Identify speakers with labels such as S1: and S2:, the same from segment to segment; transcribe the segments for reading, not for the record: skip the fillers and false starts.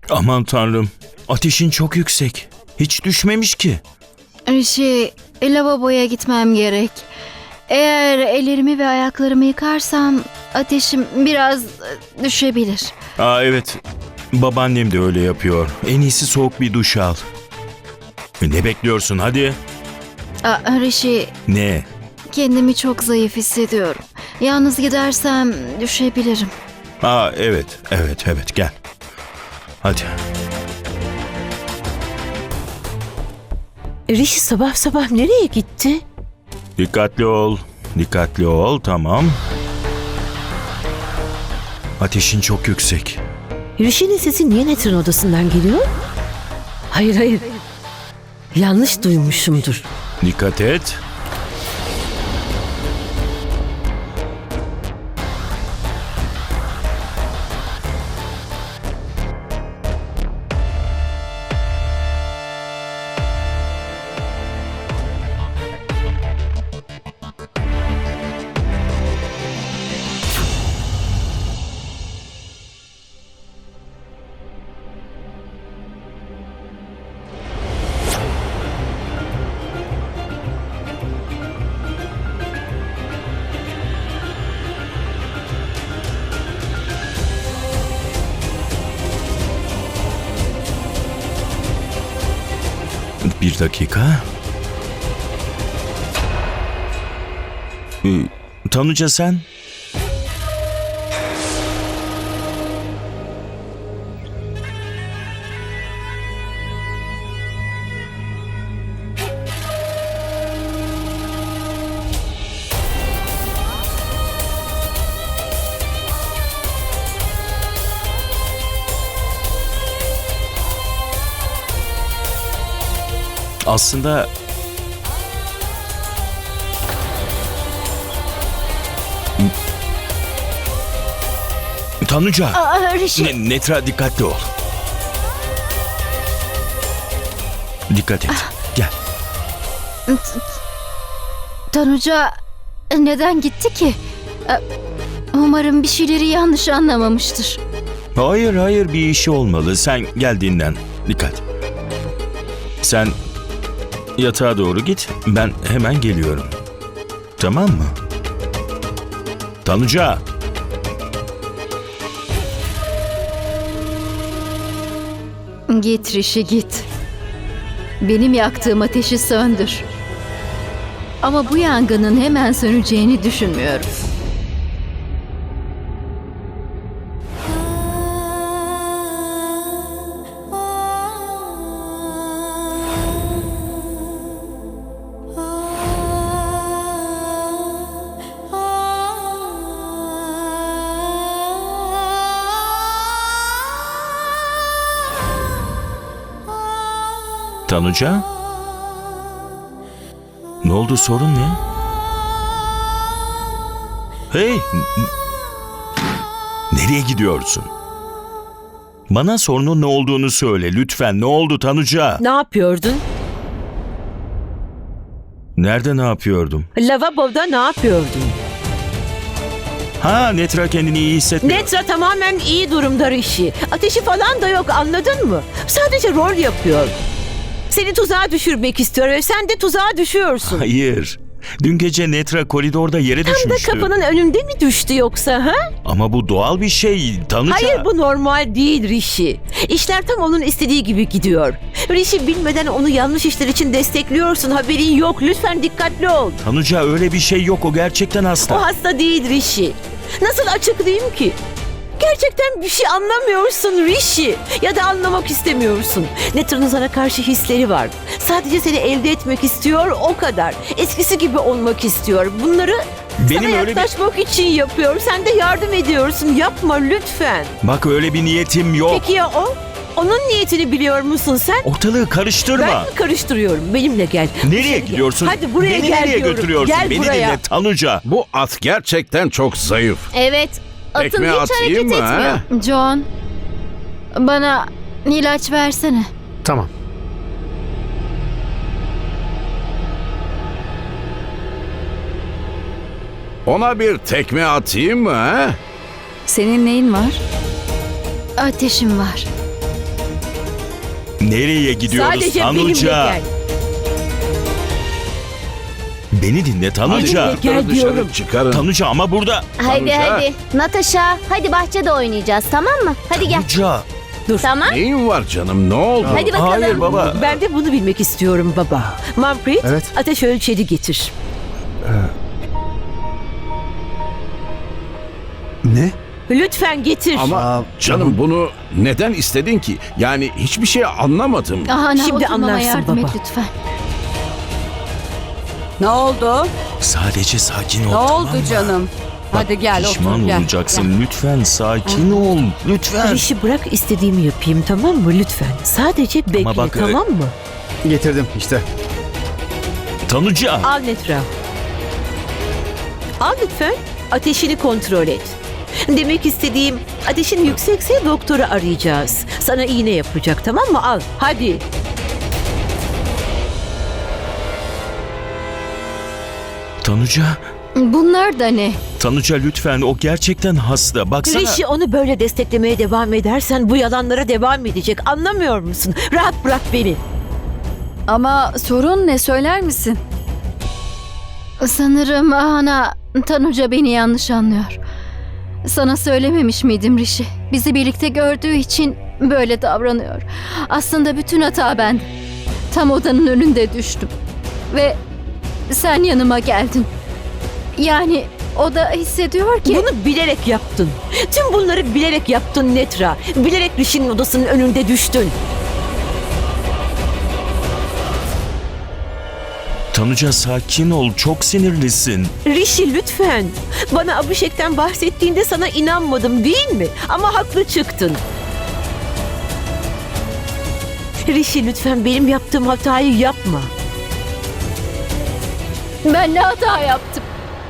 S1: Aman tanrım. Ateşin çok yüksek. Hiç düşmemiş ki.
S2: Lavaboya gitmem gerek. Eğer ellerimi ve ayaklarımı yıkarsam ateşim biraz düşebilir.
S1: Evet. Babaannem de öyle yapıyor. En iyisi soğuk bir duş al. Ne bekliyorsun hadi?
S2: Rishi,
S1: Ne?
S2: kendimi çok zayıf hissediyorum. Yalnız gidersem düşebilirim.
S1: Evet gel. Hadi.
S3: Rishi sabah sabah nereye gitti?
S1: Dikkatli ol, tamam. Ateşin çok yüksek.
S3: Rishi'nin sesi niye Netra'nın odasından geliyor? Hayır. Yanlış duymuşumdur.
S1: Dikkat et. Bir dakika. Tanuca sen? Aslında Tanuca.
S2: Rishi.
S1: Netra dikkatli ol. Dikkat et. Gel.
S2: Tanuca neden gitti ki? Umarım bir şeyleri yanlış anlamamıştır.
S1: Hayır bir işi olmalı. Sen gel dinlen. Dikkat. Sen yatağa doğru git. Ben hemen geliyorum. Tamam mı? Tanuca.
S2: Git Rishi git. Benim yaktığım ateşi söndür. Ama bu yangının hemen söneceğini düşünmüyorum.
S1: Tanuca? Ne oldu, sorun ne? Hey! Nereye gidiyorsun? Bana sorunun ne olduğunu söyle lütfen. Ne oldu Tanuca?
S3: Ne yapıyordun?
S1: Nerede ne yapıyordum?
S3: Lavaboda ne yapıyordun?
S1: Netra kendini iyi hissetmiyor.
S3: Netra tamamen iyi durumda Rishi. Ateşi falan da yok, anladın mı? Sadece rol yapıyor. Seni tuzağa düşürmek istiyor ve sen de tuzağa düşüyorsun.
S1: Hayır. Dün gece Netra koridorda yere
S3: Tam da
S1: düşmüştü.
S3: kapının önünde mi düştü yoksa ha?
S1: Ama bu doğal bir şey Tanuca.
S3: Hayır, bu normal değil Rishi. İşler tam onun istediği gibi gidiyor. Rishi, bilmeden onu yanlış işler için destekliyorsun. Haberin yok. Lütfen dikkatli ol.
S1: Tanuca öyle bir şey yok. O gerçekten hasta.
S3: O hasta değil Rishi. Nasıl açıklayayım ki? Gerçekten bir şey anlamıyorsun Rishi. Ya da anlamak istemiyorsun. Netra'nın sana karşı hisleri var. Sadece seni elde etmek istiyor, o kadar. Eskisi gibi olmak istiyor. Bunları
S1: Benim
S3: sana
S1: öyle
S3: yaklaşmak için yapıyor. Sen de yardım ediyorsun. Yapma lütfen.
S1: Bak öyle bir niyetim yok.
S3: Peki ya o? Onun niyetini biliyor musun sen?
S1: Ortalığı karıştırma.
S3: Ben mi karıştırıyorum? Benimle gel.
S1: Nereye
S3: İçeri gel.
S1: gidiyorsun?
S3: Hadi buraya
S1: Beni
S3: gel
S1: nereye
S3: diyorum.
S1: götürüyorsun?
S3: Gel
S1: Beni
S3: buraya.
S1: dinle Tanuca.
S4: Bu at gerçekten çok zayıf.
S2: Evet, atım
S4: Tekme
S2: hiç
S4: atayım
S2: hareket
S4: mı,
S2: etmiyor.
S4: ha?
S2: John, bana ilaç versene.
S5: Tamam.
S4: Ona bir tekme atayım mı ha?
S2: Senin neyin var? Ateşim var.
S1: Nereye gidiyoruz
S3: Sadece benimle
S1: Tanuca?
S3: gel.
S1: Beni dinle Tanuca.
S3: Benimle gel
S4: Dışarı
S3: diyorum.
S4: çıkarın.
S1: Tanuca ama burada.
S5: Hadi
S4: Tanuca.
S5: hadi. Natasha, hadi bahçede oynayacağız, tamam mı? Hadi gel.
S1: Tanuca.
S5: Tamam.
S4: Neyin var canım? Ne oldu?
S5: Hadi bakalım.
S1: Hayır baba.
S3: Ben de bunu bilmek istiyorum baba. Manfred,
S6: Evet.
S3: ateş ölçeri getir.
S6: Ne?
S3: Lütfen getir.
S4: Ama
S6: Aa,
S4: canım bunu neden istedin ki? Yani hiçbir şey anlamadım.
S2: Ahana,
S3: Şimdi
S2: oturmama
S3: anlarsın
S2: yardım
S3: baba.
S2: et lütfen.
S7: Ne oldu?
S1: Sadece sakin ol.
S7: Ne
S1: tamam
S7: oldu
S1: mı?
S7: canım? Hadi gel
S1: Pişman
S7: otur gel.
S1: olacaksın. Lütfen sakin ol. Lütfen.
S3: Rişi bırak istediğimi yapayım, tamam mı? Lütfen. Sadece bekle,
S1: bak,
S3: tamam mı?
S6: getirdim işte.
S1: Tanuca.
S3: Al Netra. Al lütfen. Ateşini kontrol et. Demek istediğim, ateşin yüksekse doktoru arayacağız. Sana iğne yapacak, tamam mı? Al. Hadi.
S1: Tanuca.
S2: Bunlar da ne?
S1: Tanuca lütfen, o gerçekten hasta. Baksana.
S3: Rişi, onu böyle desteklemeye devam edersen bu yalanlara devam edecek. Anlamıyor musun? Rahat bırak beni.
S7: Ama sorun ne, söyler misin?
S2: Sanırım Ahana, Tanuca beni yanlış anlıyor. Sana söylememiş miydim Rişi? Bizi birlikte gördüğü için böyle davranıyor. Aslında bütün hata bende. Tam odanın önünde düştüm. Ve sen yanıma geldin. Yani o da hissediyor ki...
S3: Bunu bilerek yaptın. Tüm bunları bilerek yaptın Netra. Bilerek Rishi'nin odasının önünde düştün.
S1: Tanuca sakin ol. Çok sinirlisin.
S3: Rishi lütfen. Bana Abhishek'ten bahsettiğinde sana inanmadım değil mi? Ama haklı çıktın. Rishi lütfen benim yaptığım hatayı yapma.
S2: Ben ne hata yaptım?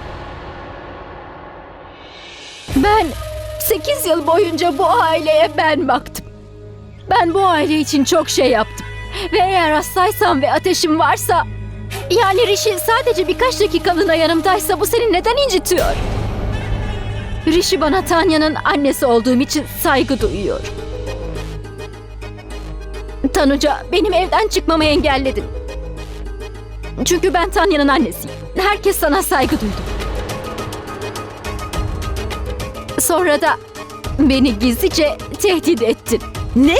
S2: Ben 8 yıl boyunca bu aileye ben baktım. Ben bu aile için çok şey yaptım. Ve eğer hastaysam ve ateşim varsa... Yani Rishi sadece birkaç dakikalığına yanımdaysa bu seni neden incitiyor? Rishi bana Tanya'nın annesi olduğum için saygı duyuyor. Tanuca, benim evden çıkmamı engelledin. Çünkü ben Tanya'nın annesiyim. Herkes sana saygı duydu. Sonra da beni gizlice tehdit ettin.
S3: Ne?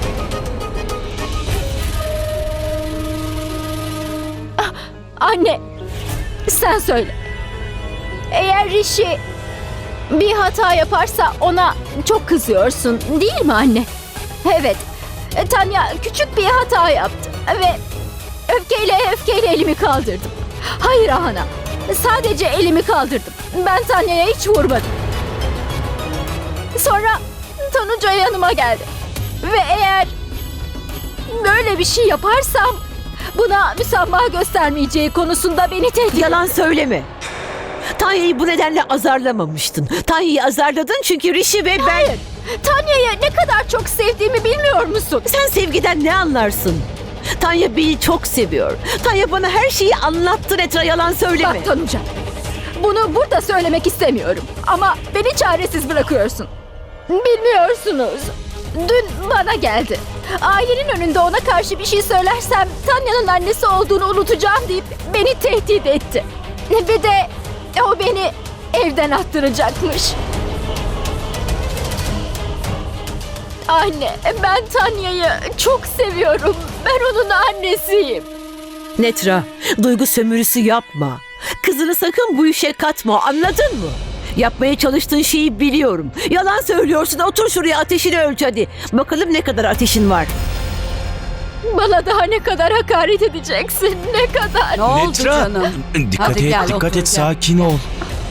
S2: Anne, sen söyle. Eğer Rishi bir hata yaparsa ona çok kızıyorsun, değil mi anne? Evet, Tanya küçük bir hata yaptı ve öfkeyle elimi kaldırdım. Hayır Ahana, sadece elimi kaldırdım. Ben Tanya'ya hiç vurmadım. Sonra Tanuca yanıma geldi. Ve eğer böyle bir şey yaparsam buna müsamaha göstermeyeceği konusunda beni tehdit...
S3: Yalan söyleme. Tanya'yı bu nedenle azarlamamıştın. Tanya'yı azarladın çünkü Rishi ve ben...
S2: Hayır, Tanya'yı ne kadar çok sevdiğimi bilmiyor musun?
S3: Sen sevgiden ne anlarsın? Tanya beni çok seviyor. Tanya bana her şeyi anlattı Netra, yalan söyleme.
S2: Bak Tanuca, bunu burada söylemek istemiyorum. Ama beni çaresiz bırakıyorsun. Bilmiyorsunuz. Dün bana geldi. Ailenin önünde ona karşı bir şey söylersem Tanya'nın annesi olduğunu unutacağım deyip beni tehdit etti. Ve de o beni evden attıracakmış. Anne, ben Tanya'yı çok seviyorum. Ben onun annesiyim.
S3: Netra, duygu sömürüsü yapma. Kızını sakın bu işe katma, anladın mı? Yapmaya çalıştığın şeyi biliyorum. Yalan söylüyorsun, otur şuraya, ateşini ölç hadi. Bakalım ne kadar ateşin var.
S2: Bana daha ne kadar hakaret edeceksin, ne kadar?
S7: Ne oldu
S1: Netra.
S7: canım?
S1: Dikkat
S7: Hadi
S1: et,
S7: gel,
S1: dikkat
S7: otur,
S1: et.
S7: gel.
S1: Sakin ol.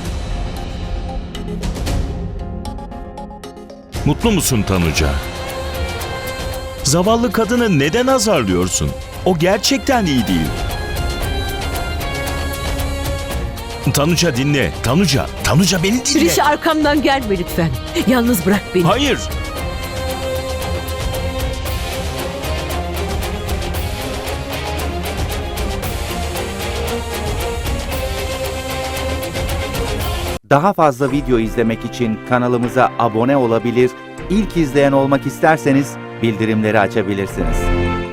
S1: Mutlu musun Tanuca? Zavallı kadını neden azarlıyorsun? O gerçekten iyi değil. Tanuca dinle. Tanuca beni dinle.
S3: Rişi, arkamdan gelme lütfen. Yalnız bırak beni.
S1: Hayır.
S8: Daha fazla video izlemek için kanalımıza abone olabilir, ilk izleyen olmak isterseniz bildirimleri açabilirsiniz.